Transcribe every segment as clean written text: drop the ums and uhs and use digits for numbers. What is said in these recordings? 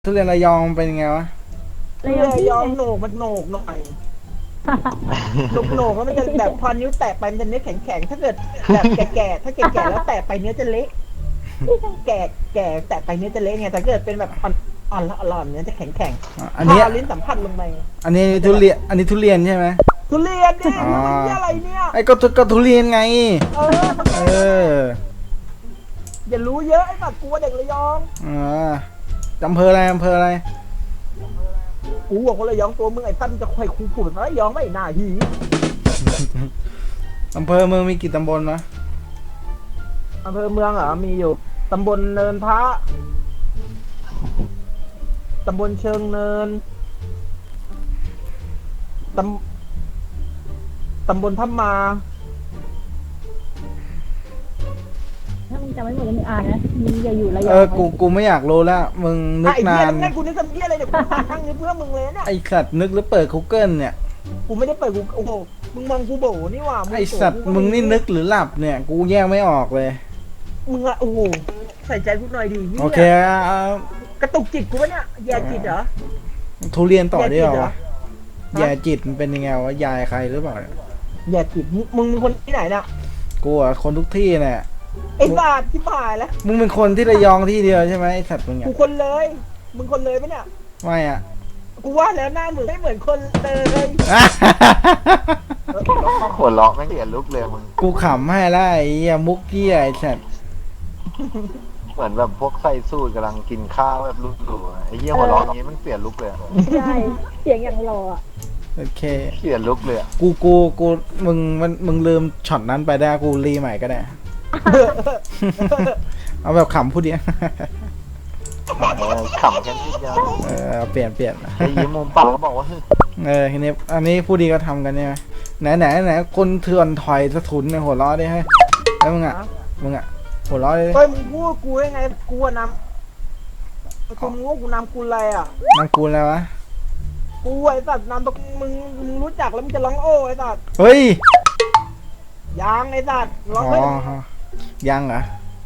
ทุเรียนระยองเป็นยังไงวะระยองโหนกมันโหนกหน่อยโหนกแล้วมันจะแบบพอนิ้วแตะไปมันจะเนื้อแข็งๆถ้าเกิดแบบแก่ๆถ้าแก่ๆแล้วแตะไปเนื้อจะเละแก่แตะไปเนื้อจะเละไงแต่เกิดเป็นแบบอ่อนเนื้อจะแข็งๆอันนี้พอลิ้นสัมผัสลงไปอันนี้ทุเรียนใช่ไหมทุเรียนดิมันนี่อะไรเนี่ยไอ้ก็ทุเรียนไงอย่ารู้เยอะไอ้สัตว์กลัวเด็กระยองอำเภออะไรกูบอกคนระยองตัวมึงไอ้ตั้นจะคอยคูผูดระยองไม่น่าหีอำเภอเมืองมีกี่ตำบลนะอำเภอเมืองเหรอมีอยู่ตำบลเนินพระตำบลเชิงเนินตำบลทับมาถ้ามึงจำไม่หมดแล้วมึงอ่านนะมึงอย่าอยู่ระยองกูไม่อยากรู้แล้วมึงนึกนานไอ้เหี้ยกูนึกคำเหี้ยอะไรเดี๋ยวกูหาทางนี้เพื่อมึงเลยเนี่ยไอ้สัตว์นึกหรือเปิด Google เนี่ยกูไม่ได้เปิดกูโอ้โหมึงมองกูโบนี่ว่าไอ้สัตว์มึงนี่นึกหรือหลับเนี่ยกูแยกไม่ออกเลยมึงอะโอ้โหใส่ใจกูหน่อยดิโอเคกระตุกจิตกูวะเนี่ยแย่จิตเหรอทุเรียนต่อได้เหรอแย่จิตมันเป็นยังไงวะยายใครหรือเปล่าแย่จิตมึงเป็นคนที่ไหนน่ะกูอะคนทุกที่เนี่ยไอ้บาทที่ผ่านแล้วมึงเป็นคนที่ระยองที่เดียวใช่ไหมไอ้สัตว์มึงกูคนเลยมึงคนเลยปะเนี่ยไม่อะกูว่าแล้วหน้ามึงไม่เหมือนคนเลยหัวเราะไม่เห็นลุกเลยมึงกูขำให้แล้วไอ้มุกเกี้ยไอ้สัตว์เหมือนแบบพวกไส้สู้กำลังกินข้าวแบบลุกดูไอ้เหี้ยหัวเราะอย่างนี้มันเปลี่ยนลุกเลยใช่เสียงอย่างรออ่ะโอเคเปลี่ยนลุกเลยกูมึงลืมช็อตนั้นไปได้กูรีใหม่ก็ได้เอาแบบขำพูดเดียวขำแค่ที่เดียวเปลี่ยนไอ้ยิ้มมุมปากเขาบอกว่าทีนี้อันนี้ผู้ดีก็ทำกันใช่ไหมไหนคนเถื่อนถอยสะทุนในหัวล้อได้ให้แล้วมึงอ่ะหัวล้อได้เฮ้ยมึงพูดกูได้ไงกูนำกูงูกูนำกูอะไรอ่ะนำกูอะไรวะกูไอ้สัตว์นำตกมึงรู้จักแล้วมึงจะร้องโอ้ไอ้สัตว์เฮ้ยยังไอ้สัตว์ร้องไม่ยังเหรอ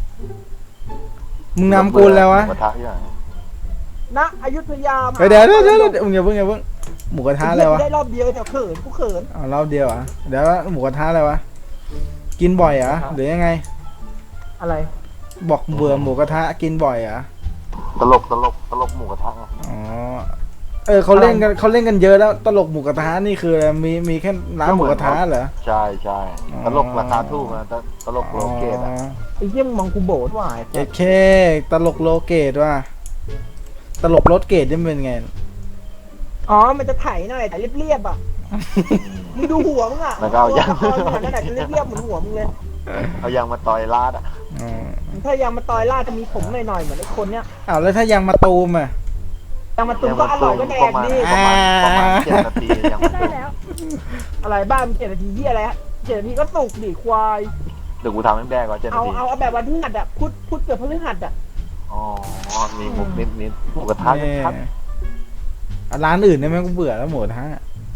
มึงนำกูแล้ววะณอยุธยาเดี๋ยวมึงอย่าเพิ่งหมูกระทะอะไรวะได้รอบเดียวแต่กูเขินรอบเดียวอ่ะเดี๋ยวหมูกระทะอะไรวะกินบ่อยเหรอหรือยังไงอะไรบอกเบื่อหมูกระทะกินบ่อยเหรอตลกหมูกระทะอ๋อเขาเล่นกันเยอะแล้วตลกหมูกระทะนี่คือมีแค่ร้านหมูกระทะเหรอใช่ตลกราคาถูกนะตลกโลเกตอ่ะไอ้เยี่ยมมองกูโบดว่าไอ้เคตลกโลเกตว่าตลกรถเกตนี่เป็นไงอ๋อมันจะไถหน่อยแต่เรียบอ่ะมึงดูหัวมึงอ่ะแล้วก็เอายางนั่นแหละจะเรียบเหมือนหัวมึงเลยเอายางมาต่อยลาดอ่ะถ้ายางมาต่อยลาดจะมีผมหน่อยเหมือนไอ้คนเนี้ยแล้วถ้ายางมาตูมอ่ะยางมาตูมก็อร่อยก็แดกดีประมาณ7 นาทียังได้แล้วอะไรบ้าง7 นาทีที่อะไรฮะ7 นาทีก็สุกดิควายเดี๋ยวกูทำให้แดกก่อน7 นาทีเอาแบบวันพฤหัสอ่ะพุธเกิดพฤหัสอ่ะอ๋อมีมุกนิดหมูกระทะชัดร้านอื่นเนี่ยแม่งกูเบื่อแล้วหมูกระทะ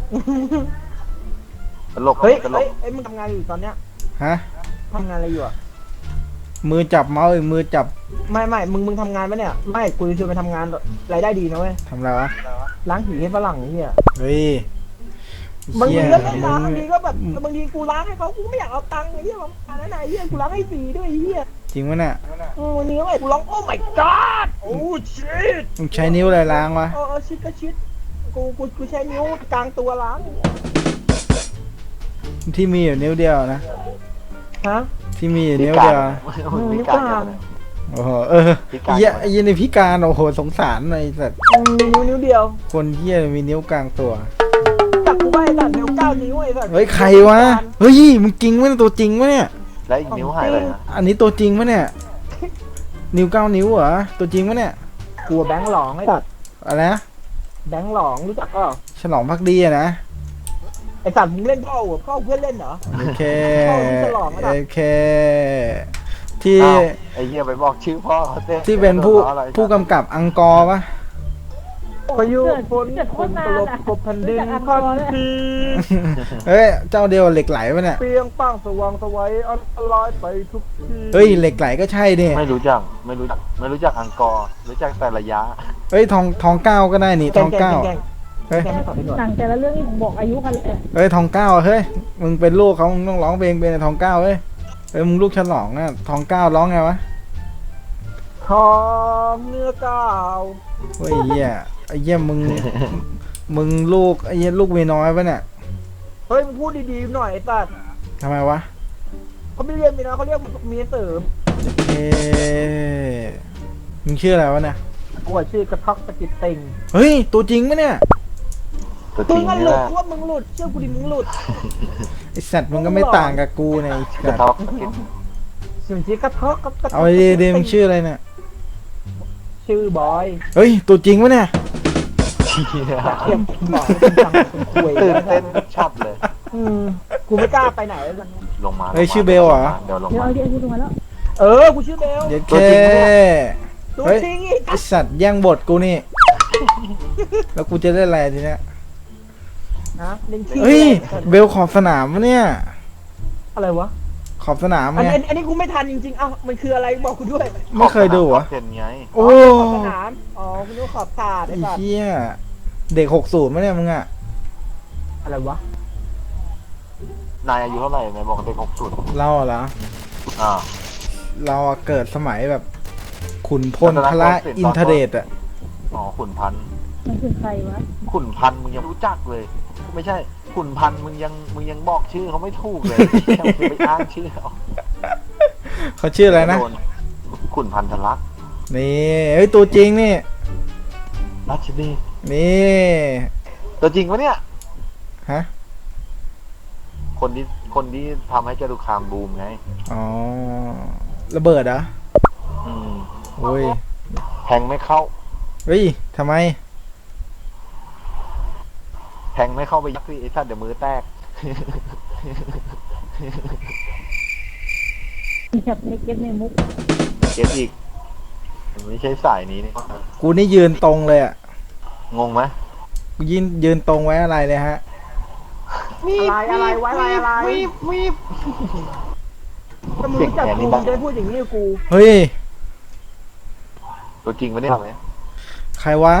ตลกเฮ้ยมึงทำงานอยู่ตอนเนี้ยฮะทำงานอะไรอยู่อ่ะมือจับเมาส์มือจับไม่มึงทำงานปะเนี่ยไม่กูจะชวนไปทำงานรายได้ดีนะเว้ยทำอะไรวะล้างผีให้ฝรั่งนี่อ่ะเฮ้ยบางทีก็ไม่ล้างบางทีก็แบบบางทีกูล้างให้เขากูไม่อยากเอาตังค์ไอ้เหี้ยอันนั้นไอ้เหี้ยกูล้างให้ฟรีด้วยไอ้เหี้ยจริงวะเนี่ยวันนี้ไอ้กูร้องโอ้ my god โอ้ชิตมึงใช้นิ้วอะไรล้างวะชิตก็ชิตกูใช้นิ้วกลางตัวล้างที่มีอยู่นิ้วเดียวนะฮะที่มีอยู่นิ้วเดียวนิ้วกลางโอ้โหยี่ในพิการโอ้โหสงสารไอ้สัตว์นิ้วเดียวคนเหี้ยมีนิ้วกลางตัวจับกูไว้สัตว์นิ้ว9 นิ้วไอ้สัตว์เฮ้ยใครวะเฮ้ยมึงจริงวะเนี่ยตัวจริงวะเนี่ยแล้วอีกนิ้วหายเลยนะอันนี้ตัวจริงวะเนี่ยนิ้ว9 นิ้วเหรอตัวจริงวะเนี่ยกลัวแบงค์หลองไอ้สัตว์อะไรนะแบงค์หลองรู้จักเปล่าฉลองภักดีอะนะไอ้สัตว์มึงเล่นพ่อเพื่อนเล่นเหรอโอเคที่ไอ้เหี้ยไปบอกชื่อพ่อที่เป็นผู้กำกับอังกอร์ปะโอ้พายุฝนเกิดโคฝตนรนาตนลบอ่ะกบแผ่นดินรู้จักพันอังกอร์ทีเฮ้ยเจ้าเดียวเหล็กไหลปะเนี่ยเปรียงป้างสว่างไสวัยอันตรายไปทุกทีเฮ้ยเหล็กไหลก็ใช่ดิไม่รู้จักอังกอร์รู้จักแต่ระยะเฮ้ยทองเก้าก็ได้นี่ทองเก้าแกงเฮ้ยแกงไม่ตอบให้หน่อยหนังแต่ละเรื่องนี่บอกอายุกันเลยเฮ้ยทองเก้าเฮ้ยมึงเป็นลูกเขามึงต้องร้องเพลงเป็นทองเก้าเฮ้ยมึงลูกฉลองอ่ะทองเก้าร้องไงวะทองเนื้อก้าวเฮ้ยเหี้ยไอ้เหี้ยมึงลูกไอ้เหี้ยลูกเมียน้อยปะเนี่ยเฮ้ยมึงพูดดีๆหน่อยไอ้สัตว์ทำไมวะเขาไม่เรียกเมียน้อยเขาเรียกเมียเสริมเอ๊ะมึงชื่ออะไรวะเนี่ยกูอะชื่อกระทอกตะกิดเต็งเฮ้ยตัวจริงปะเนี่ยตัวจมึริงงก็นี่หลุแหดละว่ามึงหลุดเชื่อกูดิมึงหลุดไอสัตว์มึงก็ไม่ต่างกับกูเนี่ยไอ้กระสัตทว์บตะกิดชื่อชื่อกระทอกกับกระทอกเอาดีๆมึงชื่ออะไรเนี่ยชื่อบอยเฮ้ยตัวจริงปะเนี่ยเทียมหน่อยเป็นจังเป็นคุยตื่นแล้วเต้นชัดเลยกูไม่กล้าไปไหนแล้วลงมาเฮ้ยชื่อเบลเหรอเดี๋ยวลงเดี๋ยวมาเอาเดี๋ยวดูมาแล้วกูชื่อเบลเย็ดตัวแค่จริงปะเนี่ยตัวเฮ้ยจริงอีกไอสัตว์แย่งบทกูนี่ แล้วกูจะได้อะไรทีเนี้ยนะเล่นขี้เฮ้ยเบลขอบสนามวะเนี่ยอะไรวะขอบสนามอันไงนี้อันนี้กูไม่ทันจริงๆเอ้ามันคืออะไรบอกกูด้วยไม่เคยดูเหรอเป็นไงโอ้ขอบสนามอ๋อคุณรู้ขอบถาดไอ้ไอ้สัตว์เหี้ยเด็ก60มั้ยเนี่ยมึงอะอะไรวะนายอายุเท่าไหร่นายบอกเด็ก60 เราอะเหรออ่าเราอะเกิดสมัยแบบ ขุนพลพระอินทเดชอะอ๋อขุนพันธุ์มันคือใครวะขุนพันธุ์มึงยังรู้จักเลย ไม่ใช่ขุนพันธุ์มึงยังบอกชื่อเขาไม่ถูกเลยยังไปอ้างชื่อเขาเขาชื่ออะไรนะโดขุนพันธลักษณ์นี่เฮ้ยตัวจริงนี่รัชนีนี่ตัวจริงปะเนี่ยฮะคนที่ทำให้จตุคามบูมไงอ๋อระเบิดเหรออืมโอ้ยแทงไม่เข้าเฮ้ยทำไมแทงไม่เข้าไปยักษ์สิไอ้สัตว์เดี๋ยวมือแตกมีแบบในเก็ตในมุกเก็บอีกมันไม่ใช่สายนี้นี่กูนี่ยืนตรงเลยอะงงไหมกูยืนตรงไว้อะไรเลยฮะอะไรไว้อะไรถ้ามึงรู้จักกูมึงจะพูดอย่างนี้กับกูเฮ้ยตัวจริงปะเนี่ยใครวะ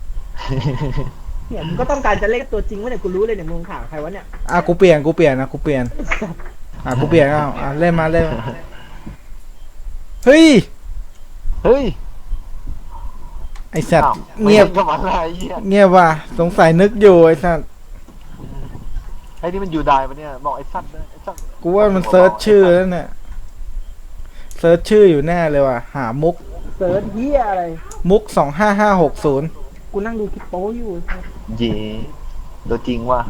เนี่ยมึงก็ต้องการจะเล่นตัวจริงวะเนี่ยกูรู้เลยเนี่ยมึงข่าวใครวะเนี่ยกูเปลี่ยนนะกูเปลี่ยนกูเปลี่ยนเล่นมาเล่นมาเฮ้ยเฮ้ยไอสัตว์อ้าวเงียบไม่ใช่กับอะไรเหี้ยเงียบว่ะสงสัยนึกอยู่ไอสัตว์ไอ้นี่มันอยู่ได้ปะเนี่ยบอกไอ้สัตว์นะไอ้สัตว์กูว่ามันเซิร์ชชื่อแล้วเนี่ยเซิร์ชชื่ออยู่แน่เลยว่ะหามุกเสิร์ชเฮียอะไรมุก25560 กูนั่งดูคลิปโป้อยู่เย่ตัวจริงว่ะ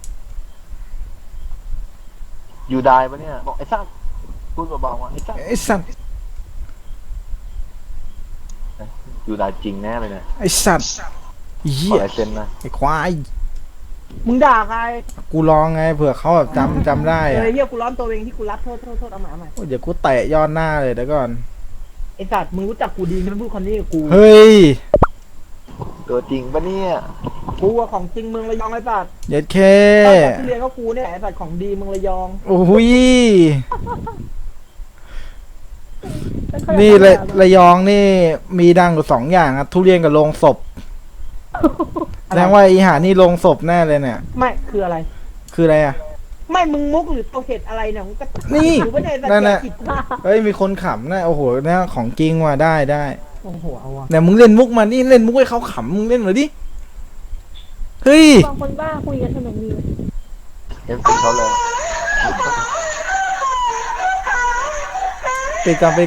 อยู่ได้ปะเนี่ยบอกไอ้สัตว์พูดเบาๆว่าไอ้สัตว์ไอสัตว์อยู่ได้จริงแน่เลยเนี่ยไอสัตว์ขเหี้อย ลายเซ็นนะไอควายมึงด่าใครกูลองไงเผื่อเขาแบบจำได้อะเฮียกูร้อนตัวเองที่กูรับโทษเอามาโอ้ยเดี๋ยวกูเตะย้อนหน้าเลยเดี๋ยวก่อนไอสัตว์มึงรู้จักกูดีมึงพูดคำนี้กับกูเฮ้ยตัวจริงปะเนี่ยกูอะของจริงมึงระยองไอสัตว์เย็ดเคที่เรียนก็กูเนี่ยไอสัตว์ของดีมึงระยองโอ้ยนี่ระยองนี่มีดังอยู่2อย่างอะทุเรียนกับโรงศพแสดงว่าอีหานี่โรงศพแน่เลยเนี่ยไม่คืออะไรคืออะไรอะไม่มึงมุกหรือตัวเห็ดอะไรเนี่ยมึงก็นี่หรือว่าในสัตนั่นว์น่ะจิตกูเฮ้ยมีคนขำนะโอ้โหเนี่ยของจริงว่ะได้โอ้โหเอาวะแต่มึงเล่นมุกมานี่เล่นมุกให้เขาขำมึงเล่นหน่อยดิเฮ้ยบางคนบ้าคุยกันสนุกดีเอ็มซีเขาเลยปิดก่อน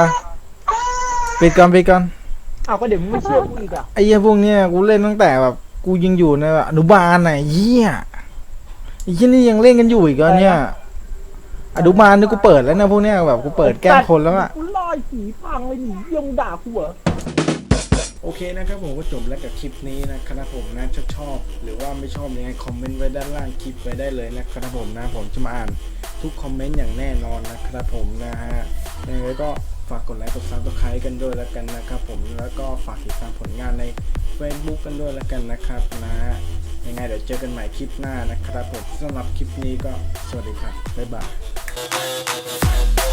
เอาก็เดี๋ยวมึงไม่เชื่อกูอีกอ่ะไอ้เหี้ยพวกเนี้ยกูเล่นตั้งแต่แบบกูยังอยู่ในแบบอนุบาลน่ะเหี้ยไอ้เหี้ยนี่ยังเล่นกันอยู่อีกเหรอเนี่ยอนุบาลนี่กูเปิดแล้วนะพวกเนี้ยแบบกูเปิดแกล้งคนแล้วอะกูลอยสีพังเลยหนียังด่ากูเหรอโอเคนะครับผมก็จบแล้วกับคลิปนี้นะครับผมนะชอบหรือว่าไม่ชอบยังไงคอมเมนต์ไว้ด้านล่างคลิปไว้ได้เลยนะครับผมนะผมจะมาอ่านทุกคอมเมนต์อย่างแน่นอนนะครับผมนะฮะยังไงก็ฝากกดไลค์กดซับสไครต์กันด้วยแล้วกันนะครับผมแล้วก็ฝากติดตามผลงานใน Facebook กันด้วยแล้วกันนะครับนะยังไงเดี๋ยวเจอกันใหม่คลิปหน้านะครับผมสำหรับคลิปนี้ก็สวัสดีครับบ๊ายบาย